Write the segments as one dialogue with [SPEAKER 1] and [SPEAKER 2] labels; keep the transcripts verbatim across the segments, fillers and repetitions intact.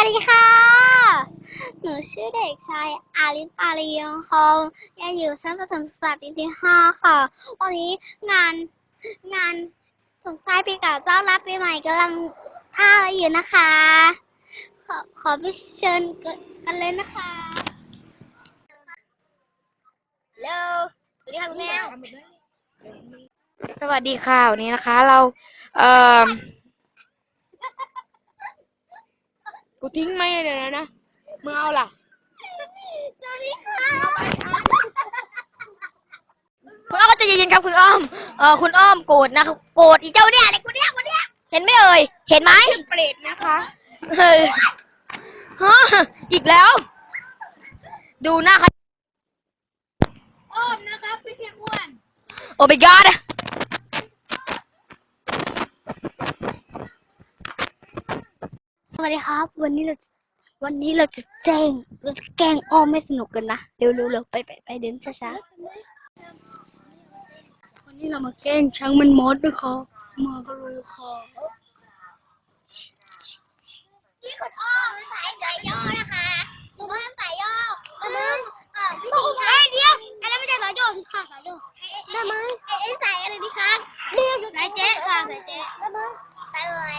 [SPEAKER 1] ดีค่ะ หนูชื่อเด็กชายอาริสอารียงคองเรียนอยู่ชั้นประถมศึกษาปีที่ห้าค่ะ วันนี้งานงานส่งท้ายปีเก่าต้อนรับปีใหม่กำลังท่าอยู่นะคะ ขอขอไปเชิญกันเลยนะคะเร็วสวัสดีค่ะคุณแมว
[SPEAKER 2] สวัสดีค่ะวันนี้นะคะเราเอ่อกูทิ้งไม่เลยนะนะมึงเอาล่ะ
[SPEAKER 1] สวัสดีค่ะ
[SPEAKER 3] คุณอ้อมก็ใจะเย็นๆครับคุณอ้อมเออคุณอ้อมโกรธนะครับโกรธอีเจ้าเนี่ยอะไรกูเนี่ยกูเนี่ยเห็นไหมเอ่ยเห็นไหม
[SPEAKER 2] เปรตนะคะ
[SPEAKER 3] เฮ้ยฮะอีกแล้ว ดูหน้าเขา
[SPEAKER 1] อ้อมนะคะพี่เทียอ้วน
[SPEAKER 3] โอ้ my god
[SPEAKER 1] สวัสดีครับ วันนี้เราวันนี้เราจะแจ้งเราจะแกล้งอ้อมไม่สนุกกันนะเร็วเร็วเร็วไปไปไปเดินช้าๆวันนี้เรามาแกล้งช้างมันมดด้วยค่ะมากันเลยค่ะนี่คุณอ้อมสายสายย่อนะคะคุณอ้อมสายย่อมึงเออวิธีค่ะเดี๋ยวอันนั้นไม่ใช่สายย่อค่ะสายย่อได้ไหมไอ้ไอ้สายอะไรดีคะเรียกสายเจ๊ค่ะสายเจ๊ได้ไหมสายอะไร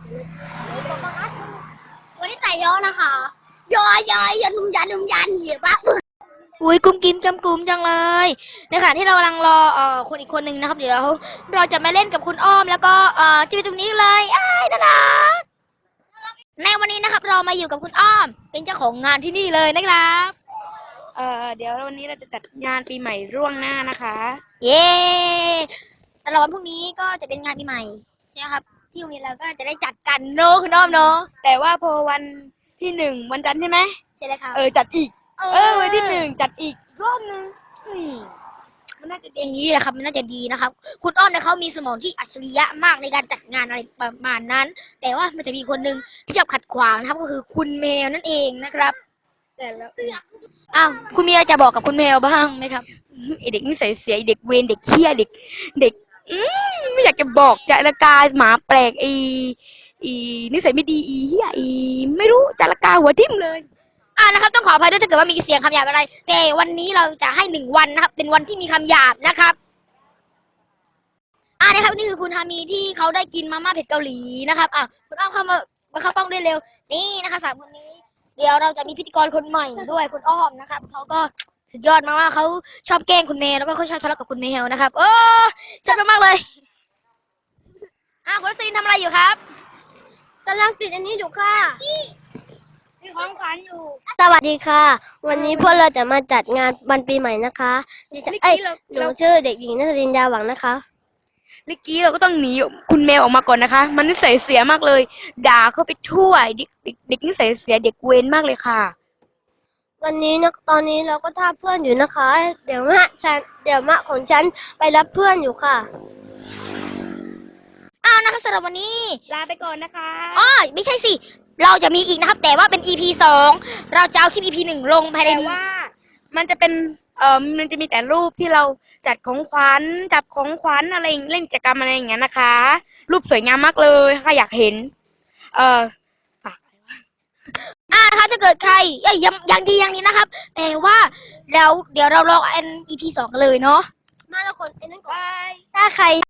[SPEAKER 1] วันนี้สายย่อนะคะย่อย่อยันนุ่มยันนุ่มยันเหี้ยปะ
[SPEAKER 3] อุ้ยกุ้มกิ้มจำกุ้มจังเลยในขณะที่เรากำลังรอเอ่อคนอีกคนนึงนะครับเดี๋ยวเราเราจะมาเล่นกับคุณอ้อมแล้วก็เอ่อที่ตรงนี้เลยอ้ายน่ารักในวันนี้นะครับเรามาอยู่กับคุณอ้อมเป็นเจ้าของงานที่นี่เลยนะครับ
[SPEAKER 2] เอ่อเดี๋ยววันนี้เราจะจัดงานปีใหม่ร่วงหน้านะคะ
[SPEAKER 3] เย้ตลอดวันพรุ่งนี้ก็จะเป็นงานปีใหม่ใช่ไหมครับที่โรงเรียนเราก็จะได้จัดกันเนอะคุณอ้อมเนอะ
[SPEAKER 2] แต่ว่าพอวันที่หนึ่งวันจันทร์ใช่ไหม
[SPEAKER 3] ใช่เลยครับ
[SPEAKER 2] เออจัดอีกเออวันที่หนึ่งจัดอีกรอบนึงอืมมันน่าจะ
[SPEAKER 3] อย่างนี้แหละครับมันน่าจะดีนะครับคุณอ้อมเนี่ยเขามีสมองที่อัจฉริยะมากในการจัดงานอะไรประมาณนั้น แต่ว่ามันจะมีคนหนึ่งที่ชอบขัดขวางนะครับก็คือคุณแมวนั่นเองนะครับ
[SPEAKER 2] แต่แล้ว
[SPEAKER 3] อ้าวคุณมีอะไรจะบอกกับคุณแมวบ้างไหมครับ
[SPEAKER 2] ไอเด็กนิสัยเสียไอเด็กเวรเด็กเขี้ยเด็กเด็กอืมไม่อยากจะบอกจารกาหมาแปลกอีอีนิสัยไม่ดีอีเหี้ยอีไม่รู้จารกาหัวทิ่มเลย
[SPEAKER 3] อ่านะครับต้องขออภัยด้วยถ้าเกิดว่ามีเสียงคำหยาบอะไร แต่วันนี้เราจะให้หนึ่งวันนะครับ เป็นวันที่มีคำหยาบนะครับอ่านะครับนี่คือคุณฮามีที่เขาได้กินมาม่าเผ็ดเกาหลีนะครับอ่ะคุณอ้อมเข้ามามาเข้ากล้องได้เร็วนี่นะคะสามคนนี้ เดี๋ยวเราจะมีพิธีกรคนใหม่ด้วยคุณอ้อมนะครับเขาก็สุดยอดมากว่าเขาชอบแกล้งคุณแมวแล้วก็เขาชอบทะเลาะกับคุณแมวนะครับโอ้ชอบมากๆเลยอ่ะคุณซีนทำอะไรอยู่ครับกำลังติดอันนี้อยู่ค่ะ
[SPEAKER 2] มีของขวัญอยู่
[SPEAKER 1] สวัสดีค่ะ วันนี้พวกเราจะมาจัดงานวันปีใหม่นะคะดิฉันเอ้ยหนูชื่อเด็กหญิงนัทรินยาหวังนะคะ
[SPEAKER 2] เมื่อกี้เราก็ต้องหนีคุณแมวออกมาก่อนนะคะ มันนิสัยเสียมากเลย ด่าเขาไปทั่วเด็กเด็กเด็กนิสัยเสียเด็กเวรมากเลยค่ะ
[SPEAKER 1] วันนี้นะตอนนี้เราก็ท่าเพื่อนอยู่นะคะ เดี๋ยวมะฉันเดี๋ยวมะของฉันไปรับเพื่อนอยู่ค่ะ
[SPEAKER 3] อ้าวนะครับสำหรับวันนี้
[SPEAKER 2] ลาไปก่อนนะคะ
[SPEAKER 3] อ๋อไม่ใช่สิเราจะมีอีกนะครับ แต่ว่าเป็น อี พี สองเราจะเอาคลิป อี พี หนึ่งลงภายใน
[SPEAKER 2] แต่ว่ามันจะเป็นเอ่อมันจะมีแต่รูปที่เราจัดของขวัญจับของขวัญอะไรเล่นกิจกรรมอะไรอย่างเงี้ยนะคะ รูปสวยงามมากเลยค่ะอยากเห็น เอ่อฝาก
[SPEAKER 3] อ่านะคะถ้าเกิดใครเอ้ยยังยังดียังนี้นะครับ แต่ว่าแล้วเดี๋ยวเราลองอัน อี พี สองกันเลยเนาะ
[SPEAKER 1] มาแล้วคนไอ้นั่นก่อน
[SPEAKER 2] บาย
[SPEAKER 1] ถ้าใคร